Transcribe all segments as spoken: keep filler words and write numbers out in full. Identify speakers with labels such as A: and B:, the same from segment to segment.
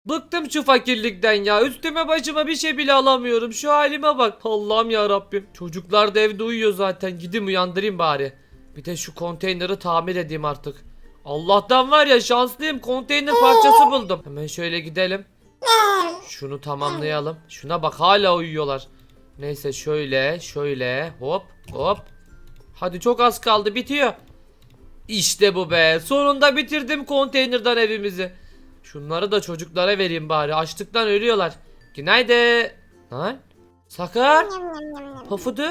A: Bıktım şu fakirlikten ya. Üstüme başıma bir şey bile alamıyorum. Şu halime bak. Allah'ım ya Rabbim. Çocuklar da evde uyuyor zaten. Gideyim uyandırayım bari. Bir de şu konteyneri tamir edeyim artık. Allah'tan var ya şanslıyım. Konteyner parçası buldum. Hemen şöyle gidelim. Şunu tamamlayalım. Şuna bak hala uyuyorlar. Neyse şöyle şöyle hop hop. Hadi çok az kaldı bitiyor. İşte bu be. Sonunda bitirdim konteynerden evimizi. Şunları da çocuklara vereyim bari. Açlıktan ölüyorlar. Günaydın. Lan. Sakar. Pofuduk.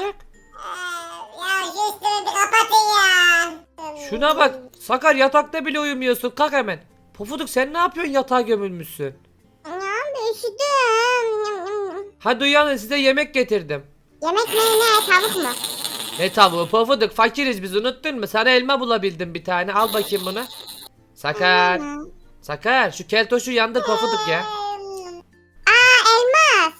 B: Ya şu üstümü bir kapatın ya.
A: Şuna bak. Sakar yatakta bile uyumuyorsun. Kalk hemen. Pofuduk sen ne yapıyorsun yatağa gömülmüşsün.
B: Ya ben üşüdüm.
A: Hadi uyanın size yemek getirdim.
B: Yemek ne ne tavuk mu?
A: Ne tavuğu Pofuduk fakiriz biz unuttun mu? Sana elma bulabildim bir tane. Al bakayım bunu. Sakar. Sakar şu keltoşu yandır Pofuduk ya.
B: Aa elmas.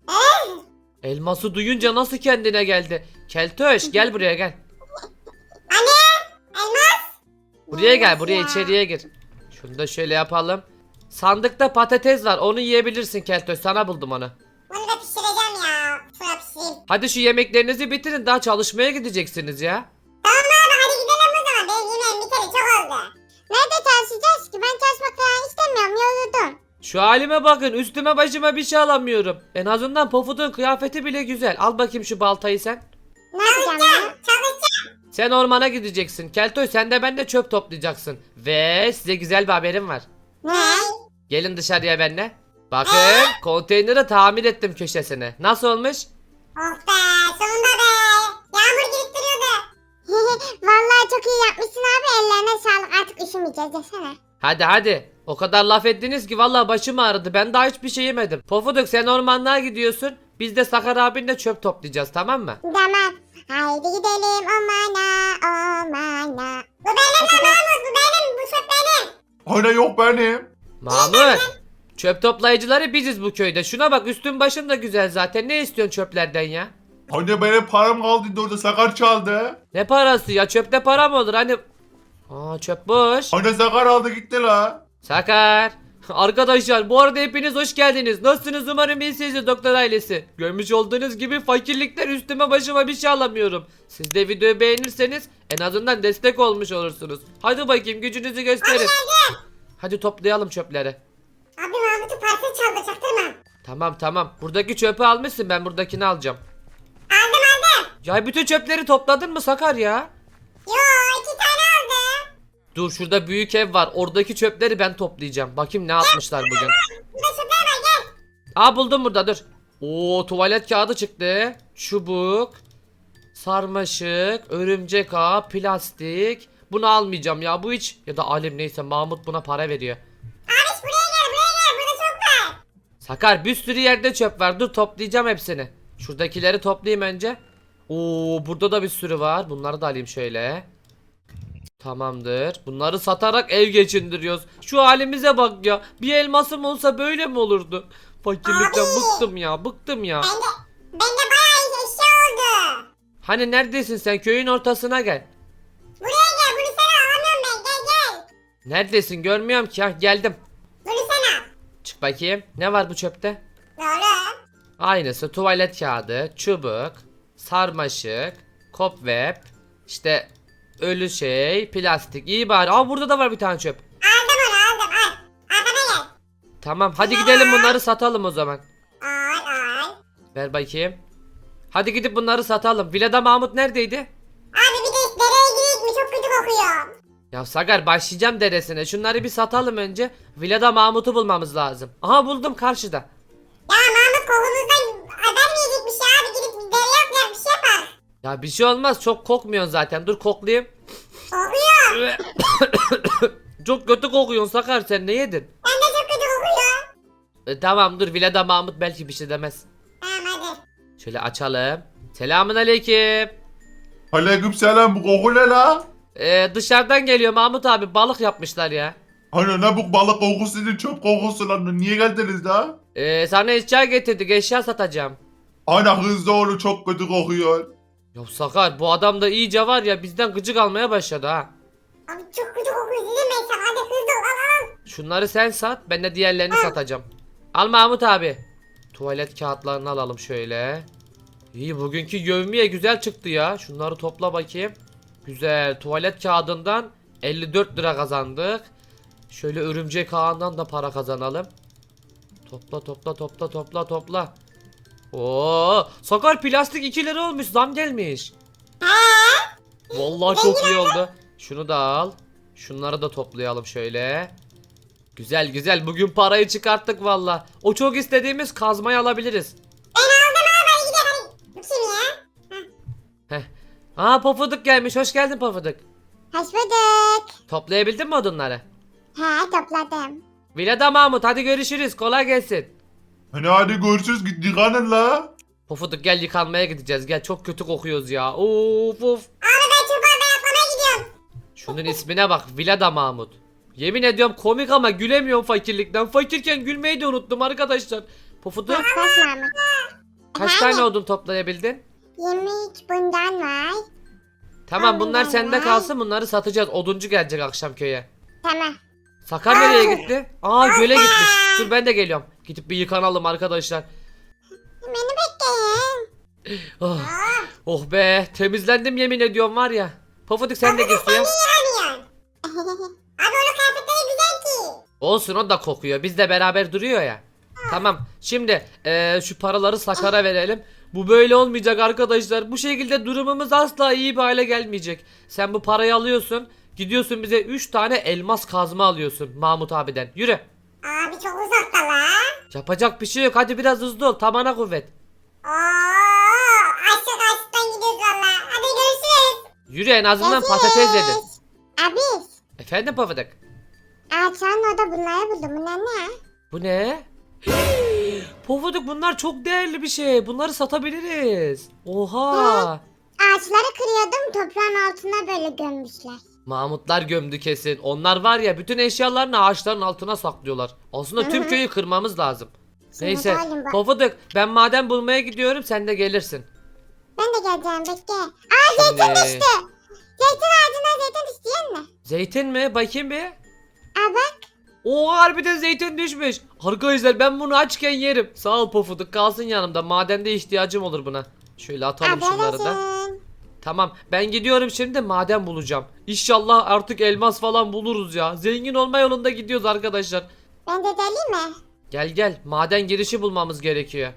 A: Elması duyunca nasıl kendine geldi? Keltoş gel buraya gel.
B: Anne elmas.
A: Buraya gel buraya
B: Ya.
A: içeriye gir. Şunu da şöyle yapalım. Sandıkta patates var onu yiyebilirsin Keltoş sana buldum onu.
B: Bunu da pişireceğim ya. Sonra pişireyim.
A: Hadi şu yemeklerinizi bitirin daha çalışmaya gideceksiniz ya.
B: Tamam abi hadi gidelim o zaman. Benim yemeğim biteli çok oldu. Nerede çalışacağız ki? Ben çalışmak falan istemiyorum. Yoruldum.
A: Şu halime bakın üstüme başıma bir şey alamıyorum. En azından Pofuduk'un kıyafeti bile güzel. Al bakayım şu baltayı sen.
B: Ne yapacağım ya? Çalışacağım.
A: Sen ormana gideceksin. Keltoş sen de ben de çöp toplayacaksın. Ve size güzel bir haberim var.
B: Ne?
A: Gelin dışarıya benimle. Bakın konteyneri tamir ettim köşesine. Nasıl olmuş?
B: Oh be sonunda be. Yağmur girip duruyordu. Vallahi çok iyi yapmışsın abi. Ellerine sağlık. Artık üşümeyeceğiz desene.
A: Hadi hadi. O kadar laf ettiniz ki vallahi başım ağrıdı. Ben daha hiçbir şey yemedim. Pofuduk sen ormanlığa gidiyorsun. Biz de Sakar abinle çöp toplayacağız tamam mı?
B: Tamam. Haydi gidelim ormana ormana. Bu benim lan Mahmut bu benim. Bu çöp benim.
C: Aynen yok benim.
A: Mahmut. Çöp toplayıcıları biziz bu köyde. Şuna bak üstün başın da güzel zaten. Ne istiyorsun çöplerden ya?
C: Anne benim param kaldı orada Sakar çaldı.
A: Ne parası ya? Çöpte para mı olur? Hani... Aa çöp boş.
C: Anne Sakar aldı gitti la.
A: Sakar. Arkadaşlar bu arada hepiniz hoş geldiniz. Nasılsınız umarım iyisinizdir doktor ailesi. Görmüş olduğunuz gibi fakirlikten üstüme başıma bir şey alamıyorum. Siz de videoyu beğenirseniz en azından destek olmuş olursunuz. Hadi bakayım gücünüzü gösterin. Hadi toplayalım çöpleri.
B: Abi Mahmut'un parçası çaldı çaktırma.
A: Tamam tamam. Buradaki çöpü almışsın ben buradakini alacağım.
B: Aldım aldım.
A: Ya bütün çöpleri topladın mı Sakar ya?
B: Yo iki tane aldım.
A: Dur şurada büyük ev var. Oradaki çöpleri ben toplayacağım. Bakayım ne yapmışlar bugün.
B: Burada çöpler var gel.
A: Aa buldum burada dur. Oo tuvalet kağıdı çıktı. Çubuk. Sarmaşık. Örümcek ağı. Plastik. Bunu almayacağım ya bu hiç. Ya da alim neyse Mahmut buna para veriyor.
B: Abi buraya gel buraya gel burada çok var.
A: Sakar bir sürü yerde çöp var. Dur toplayacağım hepsini. Şuradakileri toplayayım önce. Oo burada da bir sürü var. Bunları da alayım şöyle. Tamamdır. Bunları satarak ev geçindiriyoruz. Şu halimize bak ya. Bir elmasım olsa böyle mi olurdu? Fakirlikten
B: Abi.
A: bıktım ya. Bıktım ya.
B: Bende, bende bayağı eşya oldu.
A: Hani neredesin sen? Köyün ortasına gel.
B: Buraya gel bunu sana alamıyorum ben gel gel.
A: Neredesin? Görmüyorum ki. Hah, geldim.
B: Bunu sana al.
A: Çık bakayım. Ne var bu çöpte?
B: Doğru.
A: Aynısı tuvalet kağıdı, çubuk, sarmaşık, cobweb, işte ölü şey, plastik. İyi bari. Aa burada da var bir tane çöp.
B: Aldım onu aldım al. Arkana gel.
A: Tamam hadi gidelim bunları satalım o zaman.
B: Al al.
A: Ver bakayım. Hadi gidip bunları satalım. Villada Mahmut neredeydi?
B: Abi bir de dereye gireyim mi çok kötü kokuyor.
A: Ya Sagar başlayacağım dedesine. Şunları bir satalım önce. Villada Mahmut'u bulmamız lazım. Aha buldum karşıda.
B: Ya Mahmut kokumuzdan haber mi yiyecekmiş ya abi gidip dereye atlayak bir şey yapar.
A: Ya bir şey olmaz. Çok kokmuyorsun zaten. Dur koklayayım.
B: Kokuyor.
A: Çok kötü kokuyorsun Sakar sen ne yedin?
B: Ben de çok kötü kokuyor.
A: E, tamam dur Villada Mahmut belki bir şey demez.
B: Tamam hadi.
A: Şöyle açalım. Selamun aleyküm.
C: Aleyküm selam bu koku ne la?
A: Ee, dışarıdan geliyor Mahmut abi balık yapmışlar ya.
C: Anne ne bu balık kokusu değil çöp kokusu lan niye geldiniz la?
A: Ee, sana eşya getirdik eşya satacağım.
C: Anne hızlı olun çok kötü kokuyor.
A: Ya Sakar bu adam da iyice var ya bizden gıcık almaya başladı ha.
B: Abi çok kötü kokuyor dedim ben sana. Hadi hızlı ol al al.
A: Şunları sen sat, ben de diğerlerini satacağım. Al Mahmut abi. Tuvalet kağıtlarını alalım şöyle. İyi, bugünkü yevmiye güzel çıktı ya. Şunları topla bakayım. Güzel. Tuvalet kağıdından elli dört lira kazandık. Şöyle örümcek ağından da para kazanalım. Topla topla topla topla topla. Oo, Sakar plastik iki lira olmuş, zam gelmiş. Vallahi çok iyi oldu. Şunu da al. Şunları da toplayalım şöyle. Güzel güzel, bugün parayı çıkarttık valla. O çok istediğimiz kazmayı alabiliriz.
B: Ben aldım abi hadi gidelim. Bu kim ya?
A: Heh. Aa, Pofuduk gelmiş, hoş geldin Pofuduk.
B: Hoş bulduk.
A: Toplayabildin mi odunları?
B: He topladım.
A: Vilada Mahmut, hadi görüşürüz, kolay gelsin.
C: Hani hadi görüşürüz git yıkanın la.
A: Pofuduk gel, yıkanmaya gideceğiz, gel, çok kötü kokuyoruz ya. Of of.
B: Abi ben çubuğa yapmaya gidiyorum.
A: Şunun ismine bak, Vilada Mahmut. Yemin ediyorum komik ama gülemiyorum fakirlikten. Fakirken gülmeyi de unuttum arkadaşlar. Pofuduk
B: Kaç Mahmut?
A: kaç tane odun toplayabildin?
B: yirmi üç bundan var.
A: Tamam, bunlar
B: Aynen.
A: sende kalsın, bunları satacağız. Oduncu gelecek akşam köye.
B: Tamam.
A: Sakar nereye gitti? Aa, göle gitmiş. Dur ben de geliyorum. Gidip bir yıkanalım arkadaşlar.
B: Beni bekleyin.
A: Oh, oh be, temizlendim yemin ediyorum var ya. Pofuduk sen de git suya.
B: Yaramıyorsun. Abi onun kıyafetleri güzel ki.
A: Olsun, o da kokuyor. Biz de beraber duruyor ya. Tamam. Şimdi eee, şu paraları Sakar'a verelim. Bu böyle olmayacak arkadaşlar. Bu şekilde durumumuz asla iyi bir hale gelmeyecek. Sen bu parayı alıyorsun. Gidiyorsun bize üç tane elmas kazma alıyorsun Mahmut abiden. Yürü.
B: Abi çok uzakta la.
A: Yapacak bir şey yok. Hadi biraz hızlı ol. Tamana kuvvet.
B: Oo, açlık açlıktan gidiyoruz valla. Hadi görüşürüz.
A: Yürü, en azından patates yedin.
B: Abi.
A: Efendim Pofuduk.
B: Ağaçların orada bunları buldum. Bunlar ne?
A: Bu ne? Pofuduk, bunlar çok değerli bir şey. Bunları satabiliriz. Oha.
B: Ağaçları kırıyordum. Toprağın altına böyle gömmüşler.
A: Mahmutlar gömdü kesin. Onlar var ya, bütün eşyalarını ağaçların altına saklıyorlar. Aslında tüm köyü kırmamız lazım.
B: Şimdi
A: Neyse.
B: halim bak.
A: Pofuduk, ben maden bulmaya gidiyorum, sen de gelirsin.
B: Ben de geleceğim bekle. Aa zeytin
A: Şimdi-
B: düştü. Zeytin ağacına zeytin düştü yiyen mi?
A: Zeytin mi? Bakayım bir.
B: Aa bak.
A: Oo, harbiden zeytin düşmüş. Arkadaşlar ben bunu açken yerim. Sağ ol Pofuduk, kalsın yanımda. Madende ihtiyacım olur buna. Şöyle atalım
B: Abi
A: şunları da.
B: olasın.
A: Tamam, ben gidiyorum şimdi, maden bulacağım. İnşallah artık elmas falan buluruz ya. Zengin olma yolunda gidiyoruz arkadaşlar.
B: Ben de deliyim mi?
A: Gel gel, maden girişi bulmamız gerekiyor.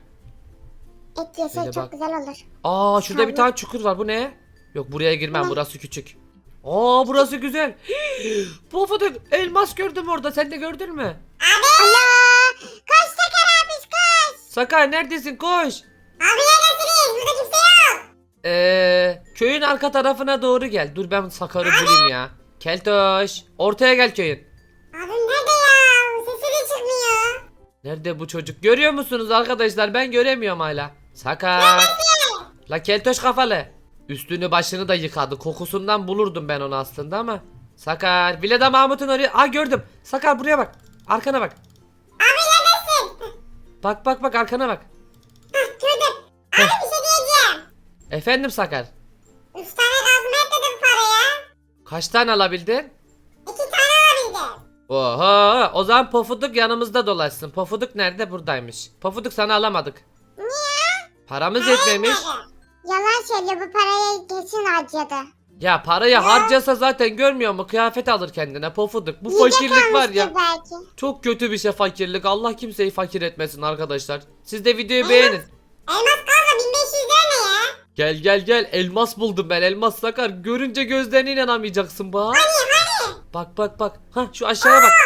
B: Et yesek
A: Öyle
B: çok
A: bak.
B: güzel olur.
A: Aa, şurada bir
B: Tabii.
A: tane çukur var, bu ne? Yok, buraya girmem,
B: Ne?
A: burası küçük. Aa, burası güzel. Pofuduk, elmas gördüm orada, sen de gördün mü?
B: Allah! Koş Sakar abi koş.
A: Sakar neredesin, koş.
B: Abi neredesiniz? Burada kimse yok.
A: Ee, köyün arka tarafına doğru gel. Dur ben Sakar'ı bulayım ya. Keltoş, ortaya gel köyün.
B: Abi nerede ya? Sesi de çıkmıyor.
A: Nerede bu çocuk? Görüyor musunuz arkadaşlar? Ben göremiyorum hala. Sakar. La keltoş kafalı. Üstünü başını da yıkadı. Kokusundan bulurdum ben onu aslında ama. Sakar. Vileda Mahmut'un oraya. Aa, gördüm. Sakar buraya bak. Arkana bak.
B: Abi neredesin?
A: Bak bak bak, arkana bak.
B: Hah gördüm. Abi bir şey diyeceğim.
A: Efendim Sakar.
B: Üç tane kazma etmedim paraya.
A: Kaç tane alabildin?
B: İki tane alabildim.
A: Oho, o zaman Pofuduk yanımızda dolaşsın. Pofuduk nerede? Buradaymış. Pofuduk, sana alamadık.
B: Niye?
A: Paramız yetmemiş.
B: Yalan söylüyor bu parayı kesin harcadı.
A: Ya parayı harcasa zaten görmüyor mu? Kıyafet alır kendine Pofuduk. Bu
B: Yiyecek
A: fakirlik var ya.
B: almıştır belki.
A: Çok kötü bir şey fakirlik. Allah kimseyi fakir etmesin arkadaşlar. Siz de videoyu beğenin.
B: Elmas kalsa bin beş yüz lira ne ya?
A: Gel gel gel, elmas buldum ben, elmas Sakar. Görünce gözlerine inanamayacaksın bak. Bak bak bak. Ha, şu aşağıya bak.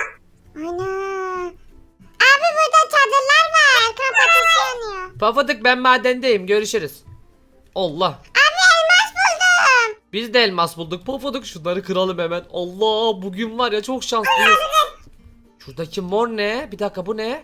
B: Ana. Abi burada çadırlar var. Kamp ateşi yanıyor.
A: Pofuduk, ben madendeyim, görüşürüz. Allah.
B: Abi elmas buldum.
A: Biz de elmas bulduk. Pofuduk, şunları kıralım hemen. Allah, bugün var ya çok şanslıyız. Şuradaki mor ne? Bir dakika, bu ne?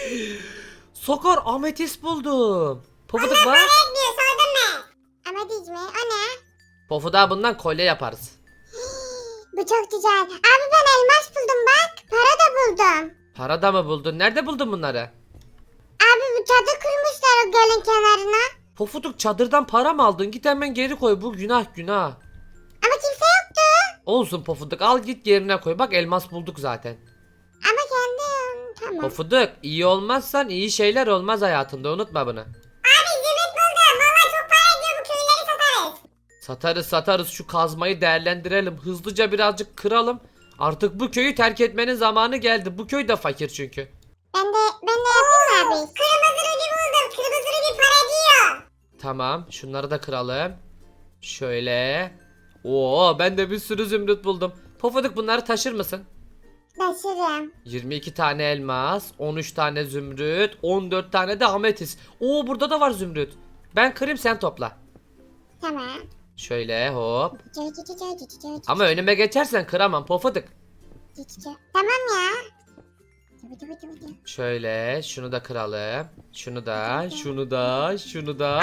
A: Sakar, ametist buldum. Pofuduk bak.
B: Etmiyor sordun mu? Ama diz mi? O ne?
A: Pofuduk'a bundan kolye yaparız.
B: Bu çok güzel. Abi ben elmas buldum bak. Para da buldum.
A: Para da mı buldun? Nerede buldun bunları?
B: Abi bu çadır kurmuşlar o gölün kenarına.
A: Pofuduk, çadırdan para mı aldın? Git hemen geri koy. Bu günah günah.
B: Ama kimse yoktu.
A: Olsun Pofuduk, al git yerine koy. Bak elmas bulduk zaten.
B: Ama kendim. Tamam.
A: Pofuduk, iyi olmazsan iyi şeyler olmaz hayatında, unutma bunu.
B: Abi zümrüt buldum. Valla çok para ediyor, bu köyleri satarız.
A: Satarız satarız, şu kazmayı değerlendirelim. Hızlıca birazcık kıralım. Artık bu köyü terk etmenin zamanı geldi. Bu köy de fakir çünkü.
B: Ben de ben de yapayım abi. Kırmızı rubi buldum. Kırmızı rubi para ediyor.
A: Tamam, şunları da kıralım. Şöyle. Oo, ben de bir sürü zümrüt buldum. Pofuduk, bunları taşır mısın?
B: Taşırım.
A: yirmi iki tane elmas, on üç tane zümrüt, on dört tane de ametist. Oo, burada da var zümrüt. Ben kırayım, sen topla.
B: Tamam.
A: Şöyle hop.
B: Cı cı cı cı cı cı cı.
A: Ama önüme geçersen kıramam Pofuduk.
B: Cı cı cı. Tamam ya. Cıvı cıvı cıvı cıvı.
A: Şöyle şunu da kıralım. Şunu da, şunu da, şunu da.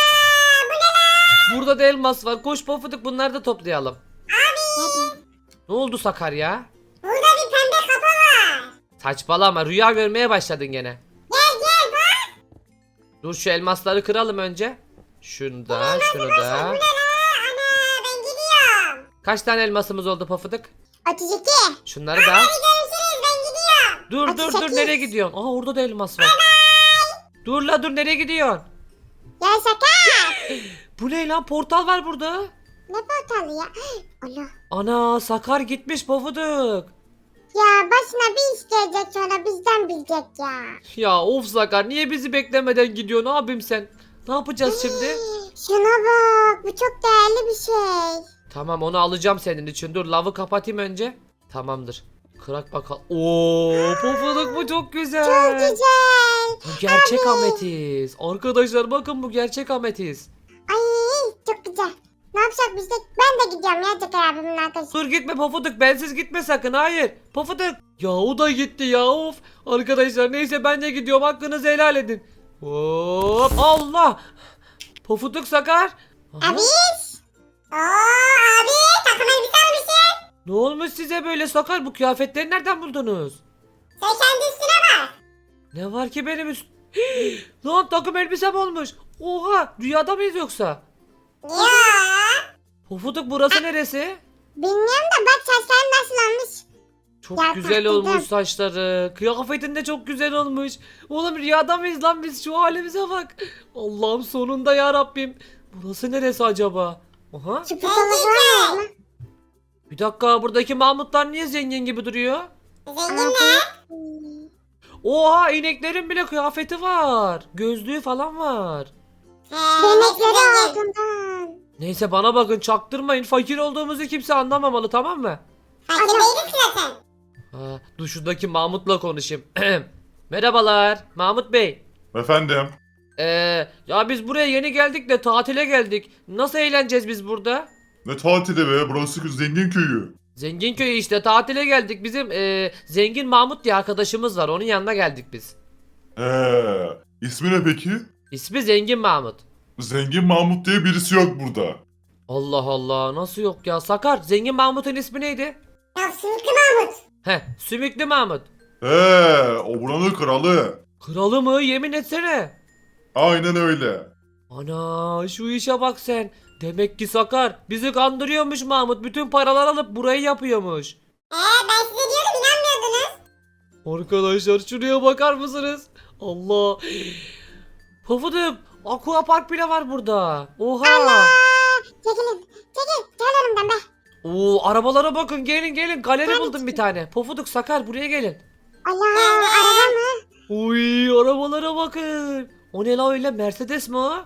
A: Burada da elmas var. Koş Pofuduk, bunları da toplayalım.
B: Hadi.
A: Ne oldu Sakar ya?
B: Burada bir pembe kapı var.
A: Saçmalama, rüya görmeye başladın gene.
B: Gel gel bak.
A: Dur, şu elmasları kıralım önce. Şunu da, şunu da.
B: Bu ne la? Ana ben gidiyorum.
A: Kaç tane elmasımız oldu Pofuduk?
B: otuz iki.
A: Şunları da.
B: Hadi görüşürüz, ben gidiyorum.
A: Dur dur dur,
B: otuz sekiz.
A: nereye gidiyorsun? Aa, orada da elmas var. Dur la, dur, nereye gidiyorsun?
B: Ya Sakar.
A: Bu ne lan, portal var burada.
B: Ne portalı ya? Allah.
A: Ana, Sakar gitmiş Pofuduk.
B: Ya başına bir iş gelecek, sonra bizden bilecek ya.
A: Ya of Sakar, niye bizi beklemeden gidiyorsun abim sen? Ne yapacağız şimdi?
B: Şuna bak, bu çok değerli bir şey.
A: Tamam, onu alacağım senin için. Dur, lavı kapatayım önce. Tamamdır. Kırak bakalım. Oo, Pofuduk, bu çok güzel.
B: Çok güzel.
A: Bu gerçek ametist. Arkadaşlar bakın, bu gerçek ametist.
B: Ay çok güzel. Ne yapacak biz de? Ben de gidiyorum ya Sakar abimin arkadaşı.
A: Dur gitme Pofuduk, bensiz gitme sakın, hayır. Pofuduk. Ya o da gitti ya, of. Arkadaşlar neyse, ben de gidiyorum, hakkınızı helal edin. Hop, Allah. Pofuduk, Sakar. Aha,
B: Abi. Oo abi, takım elbise almışsın.
A: ne olmuş size böyle Sakar, bu kıyafetleri nereden buldunuz?
B: Sen kendi üstüne bak.
A: Ne var ki benim üst... Lan takım elbisem olmuş. Oha, rüyada mıyız yoksa?
B: Ya.
A: Pofuduk, burası neresi?
B: Bilmiyorum da bak saçların nasıl olmuş.
A: Çok
B: Ya,
A: güzel
B: tatlıydı.
A: olmuş saçları. Kıyafetin de çok güzel olmuş. Oğlum, rüyada mıyız lan biz? Şu halimize bak. Allah'ım, sonunda ya Rabbim. Burası neresi acaba? Aha.
B: Şu putalı var mı?
A: Bir dakika, buradaki Mahmutlar niye zengin gibi duruyor?
B: Zengin ne?
A: Oha, ineklerin bile kıyafeti var. Gözlüğü falan var.
B: Benekleri altından.
A: Neyse, bana bakın, çaktırmayın. Fakir olduğumuzu kimse anlamamalı, tamam mı?
B: Fakir değiliz ki zaten.
A: Ha, dur şuradaki Mahmut'la konuşayım. Merhabalar Mahmut Bey.
C: Efendim.
A: Ee, ya biz buraya yeni geldik de tatile geldik. Nasıl eğleneceğiz biz burada?
C: Ne tatili be, burası zengin köyü.
A: Zengin köyü işte, tatile geldik. Bizim ee, zengin Mahmut diye arkadaşımız var. Onun yanına geldik biz.
C: Eee, ismi ne peki?
A: İsmi Zengin Mahmut.
C: Zengin Mahmut diye birisi yok burada.
A: Allah Allah, nasıl yok ya? Sakar, Zengin Mahmut'un ismi neydi?
B: Ya Sümüklü Mahmut.
A: Heh, Sümüklü Mahmut.
C: Eee, o buranın kralı.
A: Kralı mı? Yemin etsene.
C: Aynen öyle.
A: Ana, şu işe bak sen. Demek ki Sakar bizi kandırıyormuş Mahmut. Bütün paralar alıp burayı yapıyormuş.
B: Ee ben size diyordum, inanmıyordunuz.
A: Arkadaşlar şuraya bakar mısınız? Allah. Pofuduk, aqua park bile var burada. Oha.
B: Aa, çekilin. Çekil. Gel önümden be.
A: Oo, arabalara bakın, gelin gelin. Galeri buldum bir tane. Pofuduk, Sakar, buraya gelin.
B: Allah, araba mı?
A: Uy, arabalara bakın. O ne la öyle, Mercedes mi o?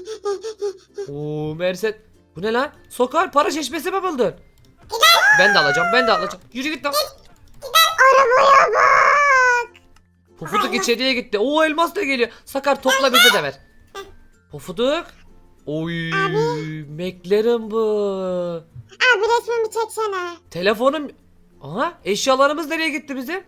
A: Oo, Mercedes. Bu ne lan? Sakar, para çeşmesi mi buldun? Ben de alacağım, ben de alacağım. Yürü git lan.
B: Arabaya bak.
A: Pofuduk içeriye gitti. Oo, elmas da geliyor. Sakar, topla, bize de ver. Pofuduk. Oy, McLaren bu.
B: Abi resmimi çeksene.
A: Telefonum. Aha, eşyalarımız nereye gitti bizim?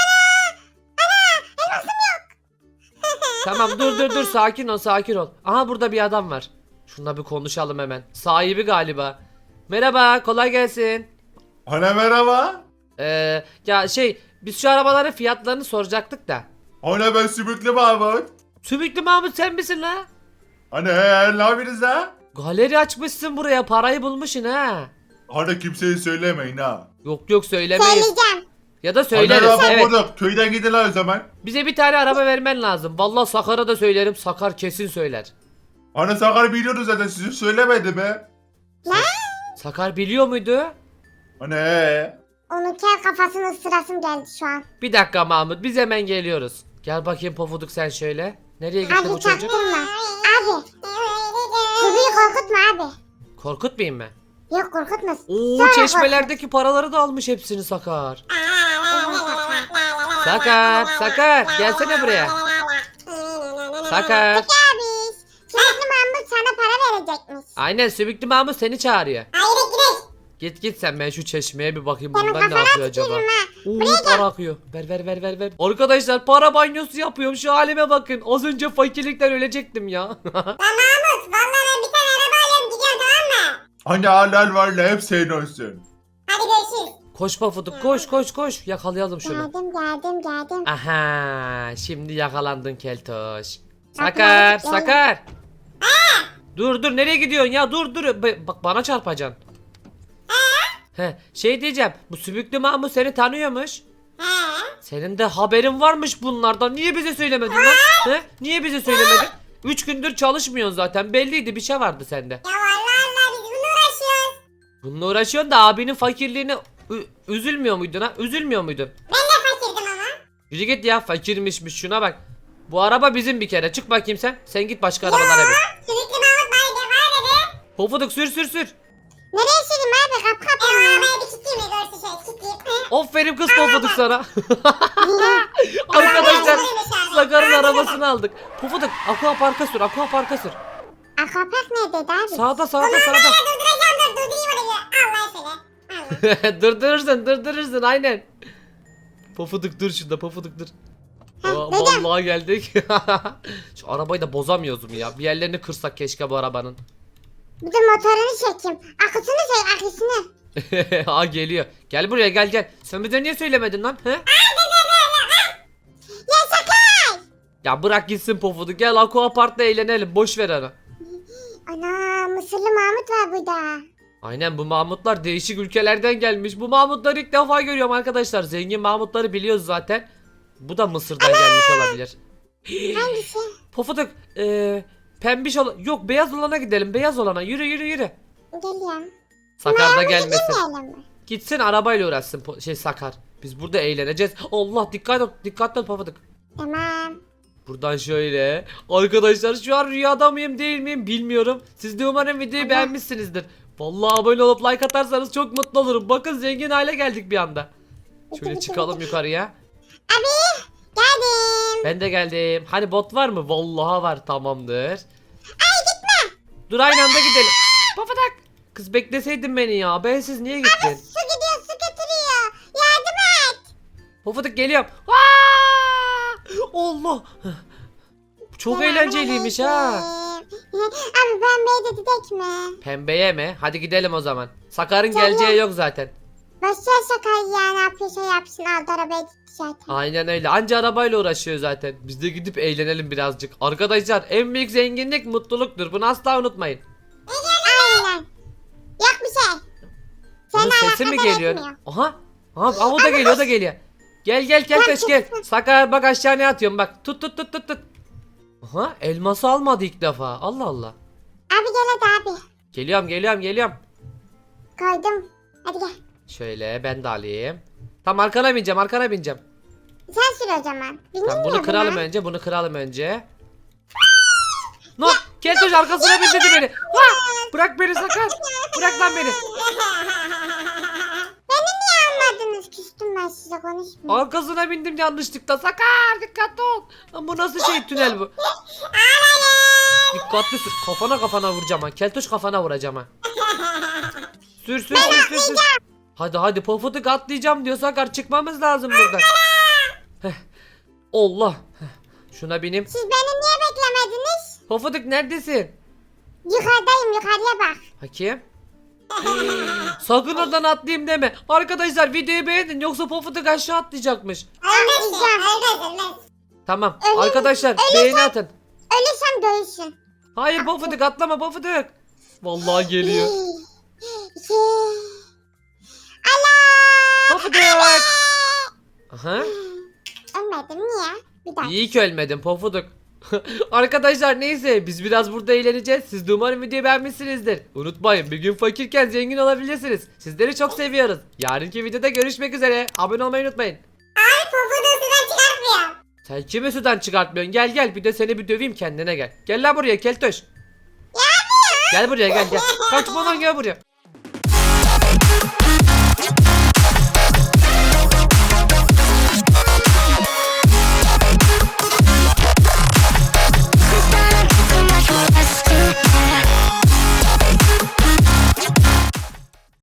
A: Tamam, dur dur dur, sakin ol sakin ol. Aha, burada bir adam var. Şununla bir konuşalım hemen. Sahibi galiba. Merhaba, kolay gelsin.
C: Hani merhaba.
A: Ee, ya şey, biz şu arabaların fiyatlarını soracaktık da.
C: Hani ben Sümüklü Mahmut.
A: Sümüklü Mahmut sen misin la?
C: Hani he, ne yapıyorsunuz ha?
A: Galeri açmışsın buraya, parayı bulmuşsun ha.
C: Hani kimseye söylemeyin ha.
A: Yok yok söylemeyiz.
B: Söyleyeceğim.
A: Ya da
C: Hani
A: söyleriz.
C: araba
A: Evet.
C: burada. Köyden gidin lan o zaman.
A: Bize bir tane araba vermen lazım. Vallahi Sakar'a da söylerim. Sakar kesin söyler.
C: Hani Sakar biliyordu zaten sizi söylemedi be.
A: Sakar biliyor muydu?
C: Hani ee?
B: Onun kel kafasının sırasım geldi şu an.
A: Bir dakika Mahmut, biz hemen geliyoruz. Gel bakayım Pofuduk sen şöyle. Nereye gitti bu
B: Abi
A: çocuk?
B: çaktırma. Abi. Kuzuyu korkutma abi.
A: Korkutmayayım mı?
B: Yok korkutma.
A: Oo,
B: Sonra
A: çeşmelerdeki paraları da almış hepsini Sakar. Sakar, Sakar gelsene buraya. Sakar.
B: Peki abi. Sürekli Mahmut sana para verecekmiş.
A: Aynen, Sübüklü Mahmut seni çağırıyor.
B: Hayır gidelim.
A: Git git sen, ben şu çeşmeye bir bakayım
B: Senin
A: bundan ne
B: kafana
A: yapıyor acaba.
B: tükürürüm ha.
A: Oo, para akıyor. Ver ver ver ver ver. Arkadaşlar para banyosu yapıyorum, şu halime bakın. Az önce fakirlikten ölecektim ya.
B: Lan Mahmut vallahi ben bir tane araba alıyorum gidiyorum tamam mı?
C: Hani halal var la hep senin olsun.
B: Hadi görüşürüz.
A: Koş Pofuduk, koş koş koş. Yakalayalım şunu.
B: Geldim geldim geldim.
A: Aha, şimdi yakalandın Keltoş.
B: Yapma,
A: Sakar,
B: yapma.
A: Sakar. Dur dur, nereye gidiyorsun ya? Dur dur. Ba- Bak bana çarpacaksın. He, şey diyeceğim. Bu Sübüklü Mahmut seni tanıyormuş.
B: He.
A: Senin de haberin varmış bunlardan. Niye bize söylemedin lan? He? Niye bize söylemedin? Üç gündür çalışmıyorsun zaten. Belliydi, bir şey vardı sende.
B: Ya vallahi Allah biz bununla uğraşıyoruz.
A: Bununla uğraşıyorsun da abinin fakirliğine ü- üzülmüyor muydun ha? Üzülmüyor muydun?
B: Ben de fakirdim ama.
A: Yürü git ya, fakirmişmiş, şuna bak. Bu araba bizim bir kere. Çık bakayım sen. Sen git başka arabalara bin.
B: Sürekli Mahmut bana de var dedi.
A: Pofuduk sür sür sür.
B: Nereye süreyim abi kap kap. E o arabayı bir kilitleyeyim mi görsün şöyle kilitleyeyim.
A: Aferin kız Pofuduk sana. Arkadaşlar Sakar'ın arabasını aldık. Pofuduk aqua parka sür, aqua parka sür.
B: Akvapark neredeydi abi?
A: Sağda sağda
B: Ulan
A: sağda.
B: ben durduracağım dur durdurayım onu. Allah söyle. Allah.
A: Durdurursun durdurursun aynen. Pofuduk dur şurada, Pofuduk dur.
B: Heh,
A: Aa,
B: dedim.
A: vallahi geldik. Şu arabayı da bozamıyoruz mu ya? Bir yerlerini kırsak keşke bu arabanın.
B: Bir de motorunu çekeyim. Akısını çek akısını.
A: Aa geliyor. Gel buraya, gel gel. Sen bize niye söylemedin lan? He?
B: Ya Sakar.
A: Ya bırak gitsin Pofuduk. Gel Aqua Park'ta eğlenelim. Boş ver onu.
B: Ana Mısırlı Mahmut var burada.
A: Aynen, bu Mahmutlar değişik ülkelerden gelmiş. Bu Mahmutları ilk defa görüyorum arkadaşlar. Zengin Mahmutları biliyoruz zaten. Bu da Mısır'dan gelmiş olabilir.
B: Hangisi?
A: Pofuduk ee, pembiş olan, yok beyaz olana gidelim. Beyaz olana, yürü yürü yürü.
B: Geliyorum.
A: Sakar da gelmesin.
B: Gitmeyelim mi?
A: Gitsin arabayla uğraşsın po- şey Sakar. Biz burada eğleneceğiz. Allah, dikkat ol, dikkatli ol Pofuduk.
B: Tamam.
A: Buradan şöyle. Arkadaşlar şu an rüyada mıyım değil miyim bilmiyorum. Siz de umarım videoyu
B: Ama-
A: beğenmişsinizdir. Vallahi abone olup like atarsanız çok mutlu olurum. Bakın zengin hale geldik bir anda. Şöyle çıkalım yukarıya.
B: Abi geldim.
A: Ben de geldim. Hani bot var mı? Vallahi var, tamamdır. Ay gitme. Dur aynı anda gidelim. Papadak. Kız bekleseydin beni ya. Bensiz niye gittin?
B: Su gidiyor su getiriyor. Yardım et.
A: Papadak geliyorum. Aa! Allah. Çok eğlenceliymiş ha.
B: Selamünaleyküm. Abi pembeye de gidek mi?
A: Pembeye mi? Hadi gidelim o zaman. Sakar'ın
B: Tamam.
A: geleceği yok zaten.
B: Başlar Sakar ya ne yapıyorsa yapsın aldı arabaya gitti zaten.
A: Aynen öyle. Anca arabayla uğraşıyor zaten. Biz de gidip eğlenelim birazcık. Arkadaşlar en büyük zenginlik mutluluktur. Bunu asla unutmayın.
B: Aynen. Yok bir şey.
A: Bunun
B: Seninle
A: sesi mi
B: alakadar
A: geliyor?
B: etmiyor.
A: Aha. Aha, aha, o da geliyor, o da geliyor. Gel gel gel
B: Gel,
A: taş gel.
B: çıksın.
A: Sakar bak aşağıya atıyorum bak. Tut tut tut tut tut. Aha, elması almadı ilk defa. Allah Allah.
B: Abi gel hadi abi.
A: Geliyorum geliyorum geliyorum.
B: Koydum. Hadi gel.
A: Şöyle ben de alayım. Tamam, arkana bineceğim, arkana bineceğim.
B: Sen sür o zaman. Bindin
A: Tamam,
B: mi
A: bunu
B: buna?
A: kıralım önce, bunu kıralım önce. No, Keltoş arkasına bindirdi beni. Ha! Bırak beni Sakar. Bırak lan beni.
B: Beni niye almadınız? Küstüm ben size konuşmayayım.
A: Arkasına bindim yanlışlıkla. Sakar dikkatli ol. Lan bu nasıl şey, tünel bu? Dikkatli sür. Kafana kafana vuracağım ha. Keltoş kafana vuracağım ha. Sür sür sür sür sür. Hadi hadi Pofuduk atlayacağım diyor Sakar. Çıkmamız lazım buradan. Heh. Allah. Heh. Şuna bineyim.
B: Siz beni niye beklemediniz?
A: Pofuduk neredesin?
B: Yukarıdayım yukarıya bak.
A: Bakayım. Sakın oradan atlayayım deme. Arkadaşlar videoyu beğenin yoksa Pofuduk aşağı atlayacakmış.
B: Ölmezsin. Ölmez ölmez.
A: Tamam
B: Ölüm-
A: arkadaşlar
B: ölüm-
A: beğeni atın.
B: Ölürsem dövüşün.
A: Hayır Pofuduk atlama Pofuduk. Vallahi geliyor.
B: Şey,
A: Aha.
B: Ölmedim niye? Bir dakika.
A: İyi ki ölmedin pofuduk. Arkadaşlar neyse biz biraz burada eğleneceğiz. Siz de umarım videoyu beğenmişsinizdir. Unutmayın bir gün fakirken zengin olabilirsiniz. Sizleri çok seviyoruz. Yarınki videoda görüşmek üzere. Abone olmayı unutmayın.
B: Abi pofuduğu sudan çıkartmıyor.
A: Sen kimi sudan çıkartmıyorsun? Gel gel bir de seni bir döveyim kendine gel. Gel lan buraya keltoş. Gel buraya gel gel. Kaçma lan gel buraya.